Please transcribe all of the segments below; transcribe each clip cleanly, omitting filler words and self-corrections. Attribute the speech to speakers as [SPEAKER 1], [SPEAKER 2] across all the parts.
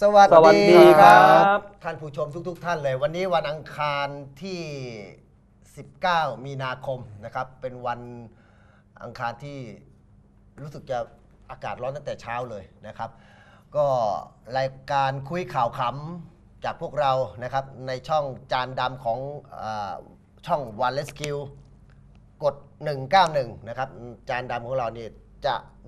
[SPEAKER 1] สวัสดี
[SPEAKER 2] ครับ
[SPEAKER 1] ท่านผู้ชมทุกท่านเลยวันนี้วันอังคารที่ 19 มีนาคมนะครับเป็นวันอังคารที่รู้สึกจะอากาศร้อนตั้งแต่เช้าเลยนะครับก็รายการคุยข่าวขำจากพวกเรานะครับในช่องจานดำของช่อง One Rescue กด 191 นะครับจานดำของเรานี่จะ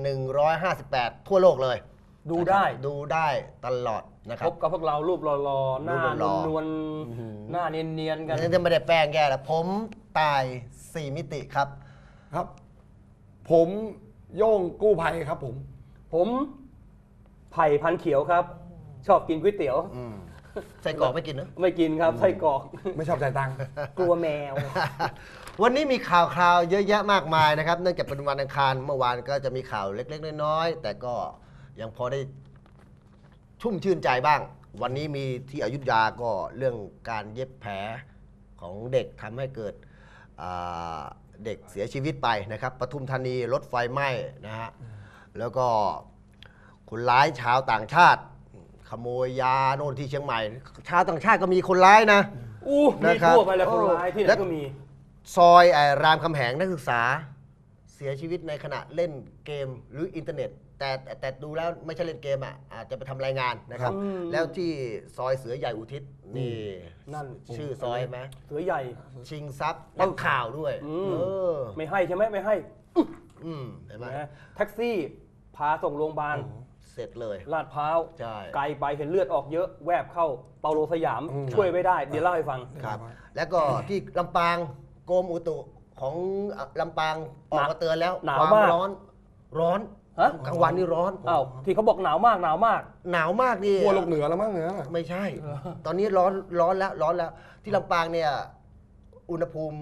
[SPEAKER 1] 158 ทั่วโลกเลยดูได้ตลอดนะครับ
[SPEAKER 2] พบกับพวกเรารูปหล่อๆหน้านวลๆหน้าเนียนๆกัน
[SPEAKER 1] นี่จะไม่ได้แป้งแย่แล้วผมตาย4 มิติครับ
[SPEAKER 3] ครับผมโย่งกู้ภัยครับ
[SPEAKER 2] ผมไผ่พันเขียวครับชอบกินก๋วยเตี๋ยว
[SPEAKER 1] ใส่กรอกไม่กินนะ
[SPEAKER 2] ไม่กินครับไส้กรอก
[SPEAKER 3] ไม่ชอบจ่ายตังค์
[SPEAKER 2] กลัวแมว
[SPEAKER 1] วันนี้มีข่าวเยอะแยะมากมายนะครับเนื่องจากเป็นวันอังคารเมื่อวานก็จะมีข่าวเล็กๆน้อยๆแต่ก็ยังพอได้ชุ่มชื่นใจบ้างวันนี้มีที่อยุธยาก็เรื่องการเย็บแผลของเด็กทำให้เกิดเด็กเสียชีวิตไปนะครับปทุมธานีรถไฟไหม้นะฮะแล้วก็คนร้ายชาวต่างชาติขโมยยาโน่นที่เชียงใหม่ชาวต่างชาติก็มีคนร้ายนะ
[SPEAKER 2] มีทั่วไปแล้วคนร้ายที่ไหนก็มี
[SPEAKER 1] ซอยรามคำแหงนักศึกษาเสียชีวิตในขณะเล่นเกมหรืออินเทอร์เน็ตแต่ดูแล้วไม่ใช่เล่นเกมอาจจะไปทำรายงานนะครับแล้วที่ซอยเสือใหญ่อุทิศนี่
[SPEAKER 2] นั่น
[SPEAKER 1] ชื่อซอยไหม
[SPEAKER 2] เสือใหญ่
[SPEAKER 1] ชิงทรัพย์นักข่าวด้วย
[SPEAKER 2] ไม่ให้ใช่ไหมไม่ให้
[SPEAKER 1] เห็นไหม
[SPEAKER 2] แท็กซี่พาส่งโรงพยาบาล
[SPEAKER 1] เสร็จเลย
[SPEAKER 2] ลาดพร้าวไกลไปเห็นเลือดออกเยอะแวบเข้าเปาโลสยามช่วยไม่ได้เดี๋ยวเล่าให้ฟัง
[SPEAKER 1] ครับแล้วก็ที่ลำปางกรมอุตุของลำปางออกมาเตือนแล้ว
[SPEAKER 2] หนาวมาก
[SPEAKER 1] ร้อนกลางวันนี่ร้อน
[SPEAKER 2] ที่เขาบอกหนาวมาก
[SPEAKER 1] หนาวมากนี่
[SPEAKER 3] กลัวลงเหนือแล้วมั้งเหนือ
[SPEAKER 1] ไม่ใช่ตอนนี้ร้อนแล้วที่ลำปางเนี่ยอุณหภูมิ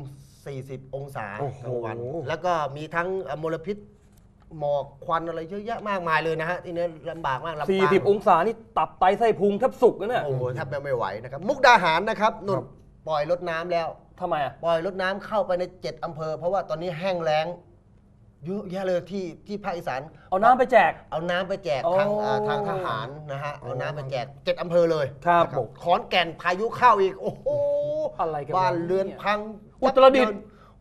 [SPEAKER 1] 40 องศากลางวันแล้วก็มีทั้งมลพิษหมอกควันอะไรเยอะแยะมากมายเลยนะฮะที่นี้ลำบากมากลำปาง
[SPEAKER 2] 40 องศานี่ตับไตไส้พุงแทบสุกนะเนี่ย
[SPEAKER 1] โอ้โหแทบไม่ไหวนะครับมุกดาหารนะครับนุ่นปล่อยรถน้ำแล้ว
[SPEAKER 2] ทำไม
[SPEAKER 1] ปล่อยรถน้ำเข้าไปใน7 อำเภอเพราะว่าตอนนี้แห้งแล้งเยอะแยะเลยที่ภาคอีสาน
[SPEAKER 2] เอาน้ำไปแจก
[SPEAKER 1] ทางทหารนะฮะเอาน้ำไปแจก7 อำเภอเลย
[SPEAKER 2] ครับ
[SPEAKER 1] ขอนแก่นพายุเข้าอีกโอ้โห
[SPEAKER 2] อะไรกัน
[SPEAKER 1] บ้านเรือนพัง
[SPEAKER 2] อุตรดิตถ์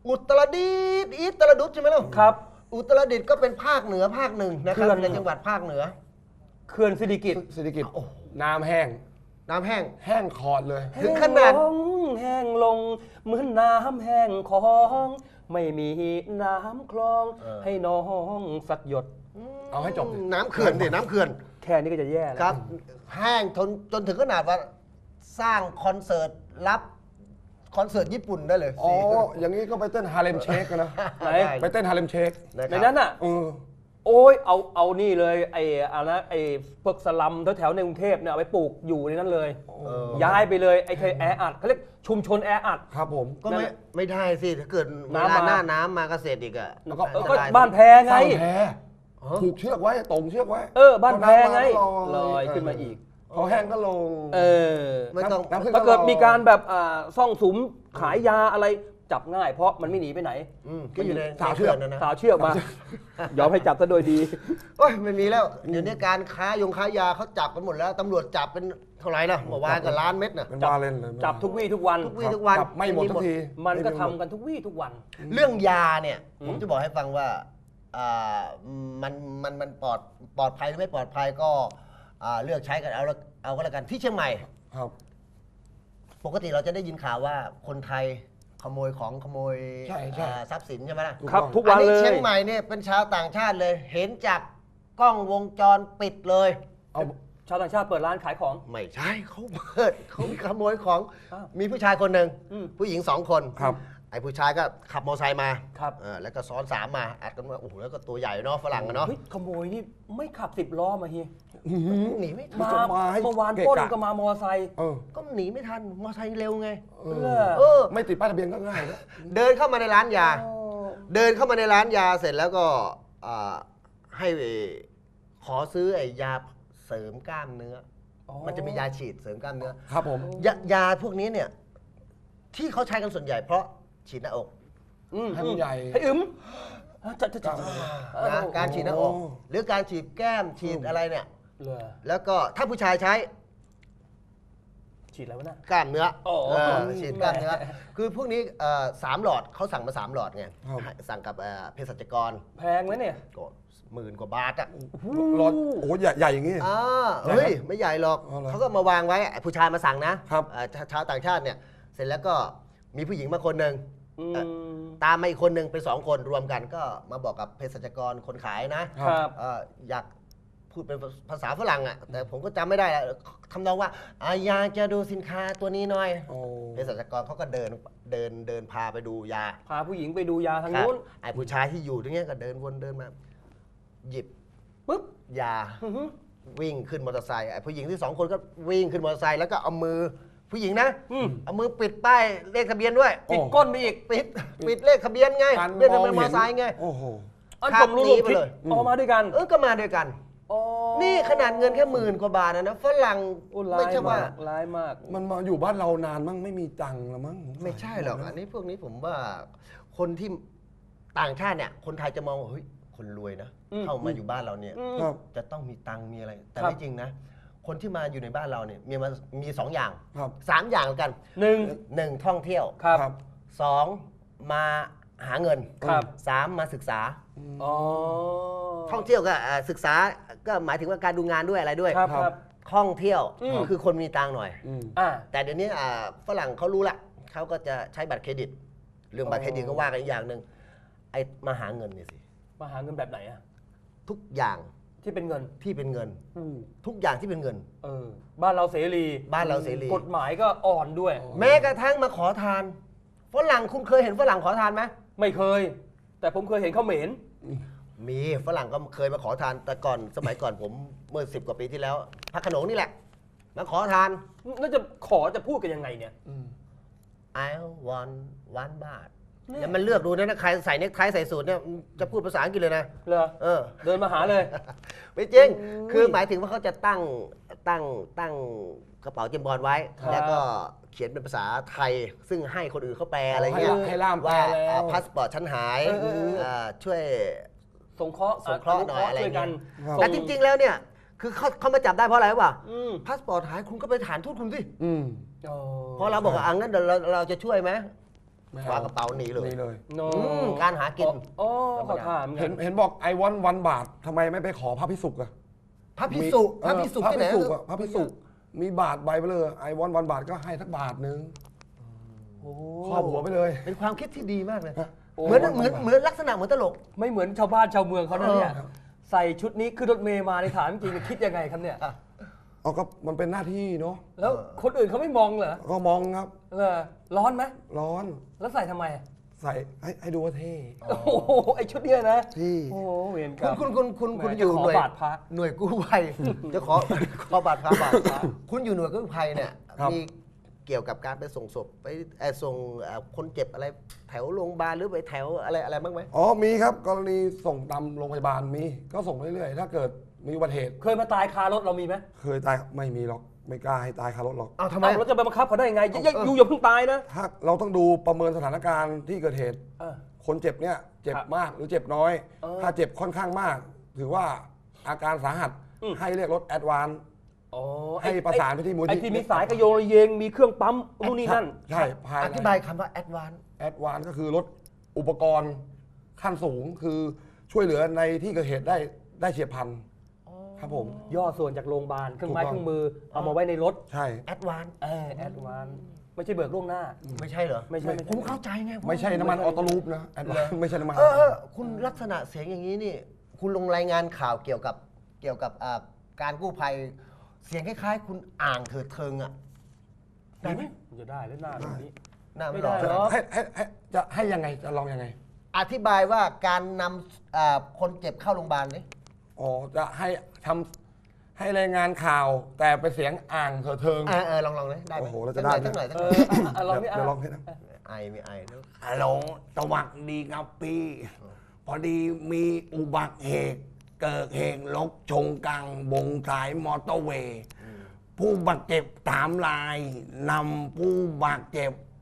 [SPEAKER 1] ใช่ไหมล่ะ
[SPEAKER 2] ครับ
[SPEAKER 1] อุตรดิตถ์ก็เป็นภาคเหนือภาคหนึ่งนะครับในจังหวัดภาคเหนือ
[SPEAKER 2] เขื่อนสิริกิติ์
[SPEAKER 3] น้ำแห้งคอดเลย
[SPEAKER 1] ถึงขนาด
[SPEAKER 2] แห้งลงเหมือนน้ำแห้งของไม่มีน้ำคลองให้น้องสักหยด
[SPEAKER 3] เอาให้จบ
[SPEAKER 1] น้ำเขื่อนน้ำเขื่อน
[SPEAKER 2] แค่นี้ก็จะแย่แล้ว
[SPEAKER 1] ครับแห้งจนถึงขนาดว่าสร้างคอนเสิร์ตรับคอนเสิร์ตญี่ปุ่นได้เลย
[SPEAKER 3] อ๋ออย่างนี้ก็ไปเต้นฮาเลมเชคกันนะไปเต้นฮาเลมเชค
[SPEAKER 2] ในนั้นอ่ะโอ้ยเอานี่เลยไอ้พวกสลัมแถวในกรุงเทพเนี่ยเอาไปปลูกอยู่ในนั้นเลยย้ายไปเลยไอ้เคยแออัดเขาเรียกชุมชนแออัด
[SPEAKER 3] ครับผม
[SPEAKER 1] ก็ไม่ได้สิถ้าเกิดเวลาหน้าน้ำมาเกษตรอีกอ่ะ
[SPEAKER 2] ก็บ้านแพไง
[SPEAKER 3] ผูกเชือกไว้ตรงเชือกไว้
[SPEAKER 2] บ้านแพไงลอยขึ้นมาอีก
[SPEAKER 3] พอแห้งก็ลง
[SPEAKER 1] ไม่ต้อง
[SPEAKER 2] ถ้าเกิดมีการแบบซ่องสุมขายยาอะไรจับง่ายเพราะมันไม่หนีไปไหน
[SPEAKER 1] ก็อยู่ใน
[SPEAKER 3] สาวเชือก
[SPEAKER 2] นะสาวเชือกมายอมให้จับซะโดยดี
[SPEAKER 1] โอ้ยไม่มีแล้วเดี๋ยวนี้การค้ายาเขาจับกันหมดแล้วตำรวจจับเป็นเท่าไหร่นะเมื่อวานก็ล้านเม็ดนะ
[SPEAKER 2] จับทุกวี่ทุกวัน
[SPEAKER 1] จับ
[SPEAKER 3] ไม่หมดทุกที
[SPEAKER 2] มันก็ทำกันทุกวี่ทุกวัน
[SPEAKER 1] เรื่องยาเนี่ยผมจะบอกให้ฟังว่ามันปลอดภัยหรือไม่ปลอดภัยก็เลือกใช้กันเอาก็แล้วกันที่เชียงใหม่ปกติเราจะได้ยินข่าวว่าคนไทยขโมยทรัพย์สินใช่ไหมล่ะ
[SPEAKER 2] ครับทุกวันเลย
[SPEAKER 1] เชียงใหม่เนี่ยเป็นชาวต่างชาติเลยเห็นจากกล้องวงจรปิดเลย
[SPEAKER 2] เอาชาวต่างชาติเปิดร้านขายของ
[SPEAKER 1] ไม่ใช่เขาขโมยของมีผู้ชายคนหนึ่งผู้หญิง2 คนไอ้ผู้ชายก็ขับมอเตอร์ไซค์มาแล้วก็ซ้อน3มาอัดกันว่าโอ้โหแล้วก็ตัวใหญ่เนาะฝรั่งกันเนาะ
[SPEAKER 2] ขโมยนี่ไม่ขับ10 ล้อมาเฮีย
[SPEAKER 1] หนีไม่ทัน
[SPEAKER 2] เมื่อวานปล้นก็มามอเตอร์ไซค์
[SPEAKER 1] ก็หนีไม่ทันมอเตอร์ไซค์เร็วไง
[SPEAKER 3] ไม่ติดป้ายทะเบียนก็ง่าย
[SPEAKER 1] เดินเข้ามาในร้านยาเสร็จแล้วก็ให้ขอซื้อไอ้ยาเสริมกล้ามเนื้อมันจะมียาฉีดเสริมกล้ามเนื้อ
[SPEAKER 3] ครับผม
[SPEAKER 1] ยาพวกนี้เนี่ยที่เขาใช้กันส่วนใหญ่เพราะฉีดหน้าอก
[SPEAKER 3] ให้มันใหญ่
[SPEAKER 2] ให้
[SPEAKER 1] การฉีดหน้าอกหรือการฉีดแก้มฉีดอะไรเนี่ย
[SPEAKER 2] เหรอ
[SPEAKER 1] แล้วก็ถ้าผู้ชายใช้
[SPEAKER 2] ฉีดอะไรวะน่ะ
[SPEAKER 1] กล้ามเนื้อ
[SPEAKER 2] อ๋อ
[SPEAKER 1] ฉีดกล้ามเนื้อ คือพวกนี้3 หลอดเขาสั่งมา3 หลอดไง
[SPEAKER 3] ครับ
[SPEAKER 1] สั่งกับเภสัชกร
[SPEAKER 2] แพงไหมเนี่ย
[SPEAKER 1] ก็10,000 กว่าบาทอ่ะ
[SPEAKER 3] รถโอ้ใหญ่อย่างงี้
[SPEAKER 1] เฮ้ยไม่ใหญ่หรอก
[SPEAKER 3] อ๋อเหรอ
[SPEAKER 1] เขาก็มาวางไว้ผู้ชายมาสั่งนะครับ ชาวต่างชาติเนี่ยเสร็จแล้วก็มีผู้หญิงมาคนหนึ่ง
[SPEAKER 2] อืม
[SPEAKER 1] ตามมาอีกคนหนึ่งเป็น2 คนรวมกันก็มาบอกกับเภสัชกรคนขายนะครับ อยากพูดเป็นภาษาฝรั่งอ่ะแต่ผมก็จำไม่ได้แล้วคำนองว่าอยากจะดูสินค้าตัวนี้หน่อย
[SPEAKER 3] โอ้
[SPEAKER 1] เภสัชกรเขาก็เดินพาไปดูยา
[SPEAKER 2] พาผู้หญิงไปดูยาทาง
[SPEAKER 1] ครับ
[SPEAKER 2] นู้น
[SPEAKER 1] ไอ้ผู้ชายที่อยู่ตรงเนี้ยก็เดินวนเดินมา หยิบ
[SPEAKER 2] ปุ๊บ
[SPEAKER 1] ยา
[SPEAKER 2] อื้อหือ
[SPEAKER 1] วิ่งขึ้นมอเตอร์ไซค์ไอ้ผู้หญิงที่2 คนก็วิ่งขึ้นมอเตอร์ไซค์แล้วก็เอามือผู้หญิงนะ
[SPEAKER 2] อืม
[SPEAKER 1] เอามือปิดป้ายเลขทะเบียนด้วย
[SPEAKER 2] ปิดก้นไปอีก
[SPEAKER 1] ปิดเลขทะเบียนไง
[SPEAKER 3] การ
[SPEAKER 1] เลขทะเบียนมอเตอร์ไซค์ไง
[SPEAKER 3] โอ้โห
[SPEAKER 2] อัน
[SPEAKER 1] ขั
[SPEAKER 2] ผ
[SPEAKER 1] บ
[SPEAKER 2] มรู้
[SPEAKER 1] หนี
[SPEAKER 2] ลม
[SPEAKER 1] ไป
[SPEAKER 2] คิด
[SPEAKER 1] เลย
[SPEAKER 2] ออกมาด้วยกัน
[SPEAKER 1] ก็มาด้วยกัน
[SPEAKER 2] อ๋อ
[SPEAKER 1] นี่ขนาดเงินแค่10,000 กว่าบาทนะฝรั่ง
[SPEAKER 2] โอ้
[SPEAKER 1] ไม่
[SPEAKER 2] ร้าย
[SPEAKER 1] ใช่ว่า
[SPEAKER 2] มากร้ายมาก
[SPEAKER 3] มันมาอยู่บ้านเรานานมั้งไม่มีตังค์ละมั้ง
[SPEAKER 1] ไม่ใช่หรอกอันนี้พวกนี้ผมว่าคนที่ต่างชาติเนี่ยคนไทยจะมองว่าเฮ้ยคนรวยนะ
[SPEAKER 2] อืม
[SPEAKER 1] เข้ามาอยู่บ้านเราเนี่ย
[SPEAKER 2] อืม
[SPEAKER 3] ครับ
[SPEAKER 1] จะต้องมีตังค์มีอะไร แต่
[SPEAKER 2] ครับ
[SPEAKER 1] ไม่จริงนะ คนที่มาอยู่ในบ้านเราเนี่ยมี2 อย่าง
[SPEAKER 3] ครับ
[SPEAKER 1] 3 อย่างแล้วกัน
[SPEAKER 2] หนึ่ง
[SPEAKER 1] 1ท่องเที่ยว
[SPEAKER 2] ครับ
[SPEAKER 1] 2มาหาเงิน
[SPEAKER 2] ครับ
[SPEAKER 1] 3มาศึกษา
[SPEAKER 2] อ๋อ
[SPEAKER 1] ท่องเที่ยวก็ศึกษาก็หมายถึงว่าการดูงานด้วยอะไรด้วย
[SPEAKER 2] ครับครับ
[SPEAKER 1] ท่องเที่ยว
[SPEAKER 2] อืม
[SPEAKER 1] คือคนมีตังค์หน่อย
[SPEAKER 3] อืม
[SPEAKER 2] อ่า
[SPEAKER 1] แต่เดี๋ยวนี้ฝรั่งเขารู้ละเขาก็จะใช้บัตรเครดิต เรื่องบัตรเครดิตก็ว่ากันอีกอย่างหนึ่งไอ้มาหาเงินเนี่ยสิ
[SPEAKER 2] มาหาเงินแบบไหนอะ
[SPEAKER 1] ทุกอย่าง
[SPEAKER 2] ที่เป็นเงิน
[SPEAKER 1] ที่เป็นเงิน
[SPEAKER 2] อืม
[SPEAKER 1] ทุกอย่างที่เป็นเงิน
[SPEAKER 2] เออ บ้านเราเสรี
[SPEAKER 1] บ้านเราเสรี
[SPEAKER 2] กฎหมายก็อ่อนด้วย
[SPEAKER 1] แม้กระทั่งมาขอทานฝรั่งคุณเคยเห็นฝรั่งขอทานไหม
[SPEAKER 2] ไม่เคย แต่ผมเคยเห็นเขาเหม็น
[SPEAKER 1] มีฝรั่งก็เคยมาขอทานแต่ก่อนสมัยก่อนผมเมื่อ10 กว่าปีที่แล้วพระโขนงนี่แหละมาขอทาน
[SPEAKER 2] น่าจะขอจะพูดกันยังไงเนี่ย
[SPEAKER 1] I want 1 บาท
[SPEAKER 2] เนี่ย
[SPEAKER 1] แล้วมันเลือกดูนะใครใส่เนคไทใส่สูทเนี่ยจะพูดภาษาอังกฤษเลยนะ
[SPEAKER 2] เหรอ
[SPEAKER 1] เออ
[SPEAKER 2] เดินมาหาเลย
[SPEAKER 1] ไม่จริง
[SPEAKER 2] โอ้ย
[SPEAKER 1] คือหมายถึงว่าเขาจะตั้งกระเป๋าเจมส์บอลไว้
[SPEAKER 2] ครับ
[SPEAKER 1] แล้วก็เขียนเป็นภาษาไทย ซึ่งให้คนอื่นเขาแปลอะไรเงี้ย
[SPEAKER 3] ให้ล่ามแปล
[SPEAKER 1] ว่า
[SPEAKER 3] แล้ว
[SPEAKER 1] พาสปอร์ตฉันหาย ช่วย
[SPEAKER 2] สงเคราะห์
[SPEAKER 1] สงเคราะห์หน่อยอะไร
[SPEAKER 2] ช่วยกัน
[SPEAKER 3] ครับ
[SPEAKER 1] แต่จริง ๆ แล้วเนี่ย คือเขามาจับได้เพราะอะไรวะ
[SPEAKER 2] อืม
[SPEAKER 1] พาสปอร์ตหายคุณก็ไปฐานทูตคุณสิ
[SPEAKER 3] อืม
[SPEAKER 2] อ๋อ
[SPEAKER 1] พอเราบอกว่างั้นเดี๋ยวเราจะช่วยไหม
[SPEAKER 3] ไม่
[SPEAKER 1] วางกระเป๋าหนีเลย
[SPEAKER 3] นี่เลย
[SPEAKER 2] โน
[SPEAKER 1] การหากิน
[SPEAKER 2] อ๋อขอถามกั
[SPEAKER 3] เห็นบอกไอวอน1 บาททำไมไม่ไปขอพระพิสุกอะ
[SPEAKER 1] พระพิสุพระพิสุ
[SPEAKER 3] พระ
[SPEAKER 1] ที่ไหน
[SPEAKER 3] พิสุอะพระพิสุมีบาทใบไปเลยไอวอน1 บาทก็ให้สักบาทนึง
[SPEAKER 2] โอ้
[SPEAKER 3] ครอบหัวไปเลย
[SPEAKER 1] เป็นความคิดที่ดีมากเลย
[SPEAKER 3] ฮะ
[SPEAKER 1] เหมือนลักษณะเหมือนตลก
[SPEAKER 2] ไม่เหมือนชาวบ้านชาวเมืองเขานะเนี่ย
[SPEAKER 3] ครับ
[SPEAKER 2] ใส่ชุดนี้ขึ้นรถเมย์มาในถามจริงๆคิดยังไงครับเนี่ย
[SPEAKER 3] เอาก็มันเป็นหน้าที่เนาะ
[SPEAKER 2] แล้วคนอื่นเขาไม่มองเหรอ
[SPEAKER 3] ก็มองครับ
[SPEAKER 2] เหรอร้อนไหม
[SPEAKER 3] ร้อน
[SPEAKER 2] แล้วใส่ทำไม
[SPEAKER 3] ใส่ให้ดูว่าเท่
[SPEAKER 2] โอ้โหไอชุดเนี้ยนะ
[SPEAKER 3] ที่
[SPEAKER 2] โอ้โหเวรกรรม
[SPEAKER 1] คุณ
[SPEAKER 2] แหม
[SPEAKER 1] อยู่
[SPEAKER 2] จะขอ
[SPEAKER 1] หน่วย
[SPEAKER 2] บาทพระ
[SPEAKER 1] หน่วยกู้ภัย จะขอบาดพระคุณอยู่หน่วยกู้ภัยเนี่ยมีเกี่ยวกับการไปส่งศพไปส่งคนเจ็บอะไรแถวโรงพยาบาลหรือไปแถวอะไรบ้างไหม
[SPEAKER 3] อ๋อมีครับกรณีส่งตามโรงพยาบาลมีก็ส่งเรื่อยๆถ้าเกิดมีอุบัติเหตุ
[SPEAKER 2] เคยมาตายคารถเรามีไหม
[SPEAKER 3] เคยตายไม่มีหรอกไม่กล้าให้ตายคารถหรอก
[SPEAKER 1] อ้าวทำไม
[SPEAKER 2] เอ้าเราจะไปบังคับเขาได้ยังไงอย่าเพิ่งตายนะ
[SPEAKER 3] ถ้าเราต้องดูประเมินสถานการณ์ที่เกิดเหตุ
[SPEAKER 2] เออ
[SPEAKER 3] คนเจ็บเนี่ยเจ็บ
[SPEAKER 2] ครับ
[SPEAKER 3] มากหรือเจ็บน้อย
[SPEAKER 2] เออ
[SPEAKER 3] ถ้าเจ็บค่อนข้างมาก ถือว่าอาการสาหัส
[SPEAKER 2] อืม
[SPEAKER 3] ให้เรียกรถแอดวานซ์
[SPEAKER 2] อ๋อ
[SPEAKER 3] ให้ประสานไปที่มูล
[SPEAKER 2] ไอ้
[SPEAKER 3] ที่
[SPEAKER 2] ที่มีสายกระโยงระเยงมีเครื่องปั๊มนู่นนี่นั่น
[SPEAKER 3] ใช่ภาย
[SPEAKER 1] อ
[SPEAKER 3] ใน
[SPEAKER 1] ธิบายคำว่า advance
[SPEAKER 3] แอดวานซ์ก็คือรถอุปกรณ์ขั้นสูงคือช่วยเหลือในที่เกิดเหตุได้เฉียบพลันครับผม
[SPEAKER 2] ย่อส่วนจากโรงพยาบาลเครื่องไม้
[SPEAKER 3] ถูกต้อง
[SPEAKER 2] เครื่องมือเอามาไว้ในรถ
[SPEAKER 3] ใช่
[SPEAKER 1] advance
[SPEAKER 2] แอดวานไม่ใช่เบิกล่วงหน้า
[SPEAKER 1] ไม่ใช่เหรอ
[SPEAKER 2] ไม่ใช่
[SPEAKER 1] ผมเข้าใจไง
[SPEAKER 3] ไม่ใช่น้ำมันออโต้ลูปนะแอดวานซ์ไม่ใช่น้ำมัน
[SPEAKER 1] คุณลักษณะเสียงอย่างนี้นี่ คุณลงรายงานข่าวเกี่ยวกับการกู้ภัย เสียงคล้ายๆ คุณอ่างเถิดเทิงอ่ะ ได้ไหม
[SPEAKER 2] มันจะได้แล้วหน้าแบบนี้
[SPEAKER 1] น่า
[SPEAKER 2] ไม่
[SPEAKER 1] ไม่
[SPEAKER 2] ได้
[SPEAKER 1] ได้
[SPEAKER 2] หรอก
[SPEAKER 3] จะให้ยังไงจะลองยังไง
[SPEAKER 1] อธิบายว่าการนำคนเจ็บเข้าโรงพยาบาลนี่
[SPEAKER 3] อ๋อจะให้รายงานข่าวแต่เป็นเสียงอ่างเถิดเทิง
[SPEAKER 1] ลองเลยได้ไหม
[SPEAKER 3] โอ้โหเราจะได้ไหม
[SPEAKER 1] สักหน่อย
[SPEAKER 2] เออลองนี่
[SPEAKER 3] เดี๋ยวลองให้นะ
[SPEAKER 1] ไอไม่ไอแล้ว
[SPEAKER 4] ฮัลโหลสวัสดีครับพี่ พอดีมีอุบัติเหตุเกิดเหตุรถชนกลางวงสายมอเตอร์เวย์ผู้บาดเจ็บ3 รายนำผู้บาดเจ็บ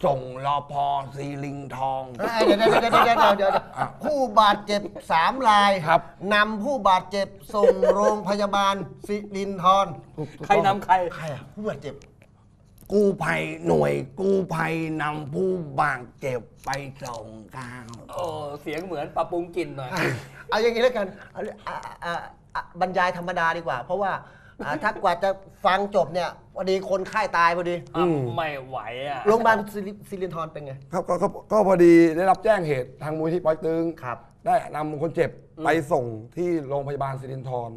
[SPEAKER 4] ส่งรอพอซีลิงทอง
[SPEAKER 1] เดี๋ยวผู้บาดเจ็บ3 ราย
[SPEAKER 3] ครับ
[SPEAKER 1] นำผู้บาดเจ็บส่งโรงพยาบาลสิรินธร
[SPEAKER 2] ใครนำใคร
[SPEAKER 1] ใครอ่ะผู้บาดเจ็บ
[SPEAKER 4] กู้ภัยหน่วยกู้ภัยนำผู้บาดเจ็บไปส่งกลาง
[SPEAKER 2] โอ้เสียงเหมือนปรับปรุงกลิ่นหน่อย
[SPEAKER 1] เอาอย่างนี้แล้วกันบรรยายธรรมดาดีกว่า เพราะว่าถ้ากว่าจะฟังจบเนี่ยพอดีคนไข้ตายพอดี
[SPEAKER 2] ไม่ไหวอ่ะ
[SPEAKER 1] โรงพยาบาลสิรินธรเป็นไง
[SPEAKER 3] ครับก็พอดีได้รับแจ้งเหตุทางมูลที่ปอยตึง
[SPEAKER 1] ครับ
[SPEAKER 3] ได้นำคนเจ็บไปส่งที่โรงพยาบาลสิรินธร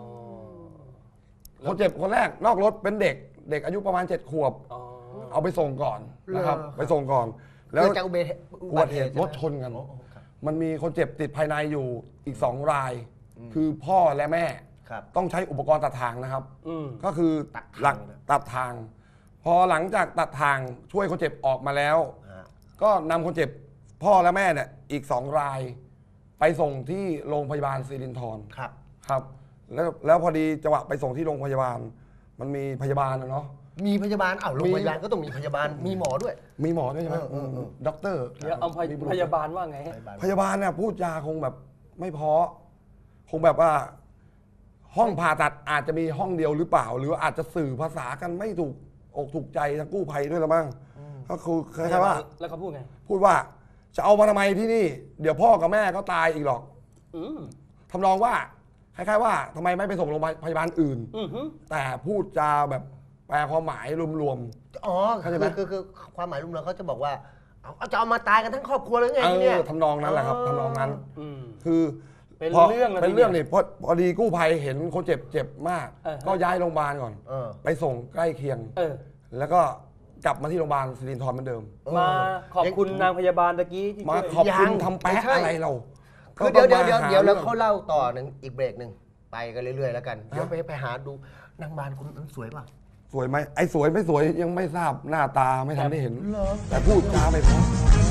[SPEAKER 3] คนเจ็บคนแรกนอกรถเป็นเด็กอายุประมาณ7 ขวบ
[SPEAKER 2] อ๋อ
[SPEAKER 3] เอาไปส่งก่อนนะครับ
[SPEAKER 1] เหรอ
[SPEAKER 3] ไปส่งก่อน
[SPEAKER 1] แล้
[SPEAKER 3] แล้ว ว
[SPEAKER 1] จากอุ
[SPEAKER 3] อุบัติเหตุรถชนกัน มันมีคนเจ็บติดภายในอยู่อีก2 ราย คือพ่อและแม่
[SPEAKER 1] ครับ
[SPEAKER 3] ต้องใช้อุปกรณ์ตัดทางนะครับ
[SPEAKER 2] อืม
[SPEAKER 3] ก็คือ
[SPEAKER 1] ตัดทาง
[SPEAKER 3] หลัก
[SPEAKER 1] นะ
[SPEAKER 3] ตัดทาง พอหลังจากตัดทางช่วยคนเจ็บออกมาแล้ว ก็นำคนเจ็บพ่อและแม่เนี่ยอีก2 ราย ไปส่งที่โรงพยาบาลสิรินธร
[SPEAKER 1] ครับ
[SPEAKER 3] ครับแล้วพอดีจังหวะไปส่งที่โรงพยาบาล มันมีพยาบาลนะเนาะ
[SPEAKER 1] มีพยาบาลโรงพยาบาลก็ต้องมีพยาบาลมีหมอด้วย
[SPEAKER 3] มีหมอด้วยใช่ไหม
[SPEAKER 1] เออ
[SPEAKER 3] ด็อกเตอร์
[SPEAKER 2] เดี๋ยวเอาพยาบาลว่าไงฮะ
[SPEAKER 3] พยาบาลเนี่ยพูดจาคงแบบไม่เพราะคงแบบว่า ห้องผ่าตัดอาจจะมีห้องเดียวหรือเปล่า หรืออาจจะสื่อภาษากันไม่ถูกอกถูกใจทางกู้ภัยด้วยละมั้งก็คือคล้ายๆว่า
[SPEAKER 2] แล้วเขาพูดไง
[SPEAKER 3] พูดว่าจะเอามาทำไมที่นี่ เดี๋ยวพ่อกับแม่ก็ตายอีกหรอก
[SPEAKER 2] อืม
[SPEAKER 3] ทำนองว่าคล้ายๆว่าทำไมไม่ไปส่งโรงพยาบาลอื่น
[SPEAKER 2] อือหือ
[SPEAKER 3] แต่พูดจาแบบแปลความหมายรวม
[SPEAKER 1] อ๋อ
[SPEAKER 3] เข้าใจไหม
[SPEAKER 1] คือความหมายรวมๆเขาจะบอกว่าเอาจะเอามาตายกันทั้งครอบครัวเลยไง
[SPEAKER 3] ๆ
[SPEAKER 1] ที่เนี่ย
[SPEAKER 3] ทำนองนั้นแหละครับทำนองนั้น
[SPEAKER 2] อืม
[SPEAKER 3] คือ
[SPEAKER 2] เป็น
[SPEAKER 3] พอ
[SPEAKER 2] เรื่องเลย
[SPEAKER 3] เป็นเรื่อง
[SPEAKER 2] ทีเดียว
[SPEAKER 3] นี่พอดีกู้ภัยเห็นคนเจ็บมาก
[SPEAKER 2] อ่าฮะ
[SPEAKER 3] ก็ย้ายโรงพยาบาลก่อน
[SPEAKER 1] เออ
[SPEAKER 3] ไปส่งใกล้เคียง
[SPEAKER 2] เออ
[SPEAKER 3] แล้วก็กลับมาที่โรงพยาบาลสิรินธรเหมือนเดิม
[SPEAKER 2] มาขอบคุณนางพยาบาลตะกี้ที่
[SPEAKER 3] มา
[SPEAKER 2] ช่วย
[SPEAKER 3] ขอบคุณ
[SPEAKER 1] ยัง
[SPEAKER 3] ทำแป๊ะ
[SPEAKER 1] ไม่ใช่
[SPEAKER 3] อะไรเรา
[SPEAKER 1] คือเดี๋ยว
[SPEAKER 3] ก็ต้องมาห
[SPEAKER 1] แล้ว
[SPEAKER 3] รื่อง
[SPEAKER 1] เขาเล่าต่อหนึ่งอีกเบรกหนึ่งไปกันเรื่อยๆแล้วกันเดี๋ยวไปหาดูนางบานคุณนั้นสวยเปล่ะ
[SPEAKER 3] สวยไหมไอ้สวยไม่สวยยังไม่ทราบหน้าตาไม่ทันได้เห็น
[SPEAKER 1] เหรอ
[SPEAKER 3] แต่พูดจาไปเพราะ